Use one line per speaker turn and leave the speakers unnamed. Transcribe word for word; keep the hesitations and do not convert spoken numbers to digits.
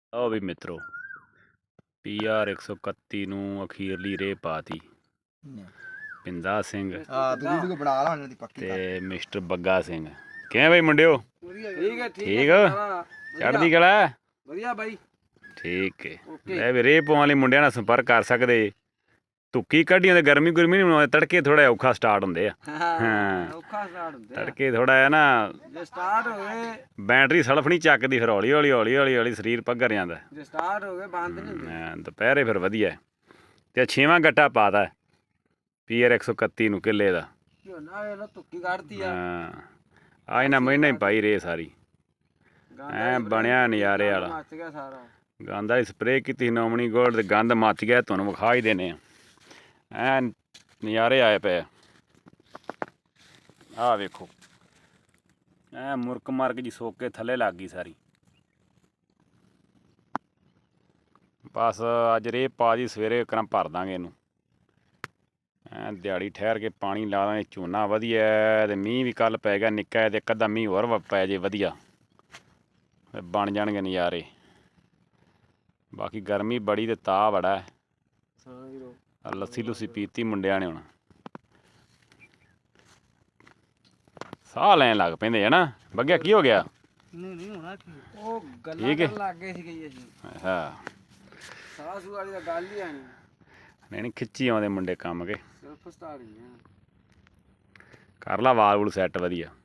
ਲਓ ਵੀ ਮਿੱਤਰੋ, P R ਇੱਕ ਸੌ ਇਕੱਤੀ ਨੂੰ ਅਖੀਰਲੀ ਰੇਹ ਪਾਤੀ ਪਿੰਦਾ ਸਿੰਘ
ਹਾਂ ਤੂੰ ਵੀਡੀਓ ਬਣਾ ਲਾ ਉਹਨਾਂ ਦੀ ਪੱਕੀ ਕਰ
ਤੇ ਮਿਸਟਰ ਬੱਗਾ ਸਿੰਘ। ਕਿਵੇਂ ਬਈ ਮੁੰਡਿਓ?
ਠੀਕ ਹੈ
ਠੀਕ ਚੜ੍ਹਦੀ ਕਲਾ
ਵਧੀਆ ਬਾਈ।
ਠੀਕ ਹੈ। ਲੈ ਵੀ ਰੇਹ ਪਾਉਣ ਲਈ ਮੁੰਡਿਆਂ ਨਾਲ ਸੰਪਰਕ ਕਰ ਸਕਦੇ। ਧੁੱਕੀ ਕੱਢੀ ਤੇ ਗਰਮੀ ਗੁਰਮੀ ਨਹੀਂ ਬਣਾਉਂਦੇ, ਤੜਕੇ ਥੋੜਾ ਔਖਾ ਸਟਾਰਟ ਹੁੰਦੇ ਆ।
ਹਾਂ ਔਖਾ ਸਟਾਰਟ ਹੁੰਦੇ ਆ
ਤੜਕੇ ਥੋੜਾ ਹੈ ਨਾ,
ਜੇ ਸਟਾਰਟ ਹੋ ਗਏ
ਬੈਟਰੀ ਸਲਫ ਨਹੀਂ ਚੱਕਦੀ, ਫਿਰ ਹੌਲੀ ਹੌਲੀ ਹੌਲੀ ਹੌਲੀ ਹੌਲੀ ਸਰੀਰ ਪੱਗਰ ਜਾਂਦਾ।
ਜੇ ਸਟਾਰਟ ਹੋ ਗਏ ਬੰਦ ਨਹੀਂ ਹੁੰਦੇ।
ਦੁਪਹਿਰੇ ਫਿਰ ਵਧੀਆ। ਤੇ ਛੇਵਾਂ ਗੱਟਾ ਪਾਤਾ ਪੀ ਆਰ ਇੱਕ ਸੌ ਇਕੱਤੀ ਨੂੰ ਕਿੱਲੇ ਦਾ।
ਝੋਨਾ ਵੇਖ ਲੋ ਧੁੱਕੀ ਕੱਢਤੀ ਆ।
ਹਾਂ ਆ ਇਹਨਾਂ ਮਹੀਨਾ ਹੀ ਪਾਈ ਰੇ ਸਾਰੀ, ਐ ਬਣਿਆ ਨਜ਼ਾਰੇ ਵਾਲਾ।
ਮੱਚ ਗਿਆ ਸਾਰਾ।
ਗੰਦ ਵਾਲੀ ਸਪਰੇਅ ਕੀਤੀ ਨੋਮਣੀ ਗੋਲਡ ਤੇ ਗੰਦ ਮੱਚ ਗਿਆ। ਤੁਹਾਨੂੰ ਵਿਖਾ ਹੀ ਦੇਣੇ ਆ, ਐ ਨਜ਼ਾਰੇ ਆਏ ਪਏ। ਆਹ ਵੇਖੋ ਐ ਮੁਰਕ ਮਰਕ ਜੀ ਸੋਕ ਕੇ ਥੱਲੇ ਲੱਗ ਗਈ ਸਾਰੀ। ਬਸ ਅੱਜ ਰੇਹ ਪਾ ਦੀ, ਸਵੇਰੇ ਕਰਾਂ ਭਰ ਦਾਂਗੇ ਇਹਨੂੰ। ਐ ਦਿਹਾੜੀ ਠਹਿਰ ਕੇ ਪਾਣੀ ਲਾ ਦਾਂਗੇ। ਝੋਨਾ ਵਧੀਆ ਤੇ ਮੀਂਹ ਵੀ ਕੱਲ ਪੈ ਗਿਆ ਨਿੱਕਾ, ਤੇ ਇੱਕ ਅੱਧਾ ਮੀਂਹ ਹੋਰ ਪੈ ਜੇ ਵਧੀਆ, ਬਣ ਜਾਣਗੇ ਨਜ਼ਾਰੇ। ਬਾਕੀ ਗਰਮੀ ਬੜੀ ਤੇ ਤਾਅ ਬੜਾ ਹੈ। ਲੱਸੀ ਲੁੱਸੀ ਪੀਤੀ ਮੁੰਡਿਆਂ ਨੇ, ਹੁਣ ਸਾਹ ਲੈਣ ਲੱਗ ਪੈਂਦੇ ਹੈ ਨਾ। ਬੱਗਿਆ ਕੀ ਹੋ ਗਿਆ?
ਨਹੀਂ ਨਹੀਂ ਹੋਣਾ ਕੀ, ਉਹ ਗੱਲਾਂ ਕਰਨ ਲੱਗ ਗਏ ਸੀ ਗਈ ਅਸੀਂ।
ਹਾਂ
ਸਾਹ ਸੂ ਵਾਲੀ ਤਾਂ ਗੱਲ ਹੀ ਆਣੀ।
ਨਹੀਂ ਨਹੀਂ ਖਿੱਚੀ ਆਉਂਦੇ ਮੁੰਡੇ ਕੰਮ ਕੇ।
ਸਿਰਫ ਸਟਾਰਟ ਹੀ ਆ।
ਕਰ ਲਾ ਵਾਲ ਵੂਲ ਸੈੱਟ ਵਧੀਆ।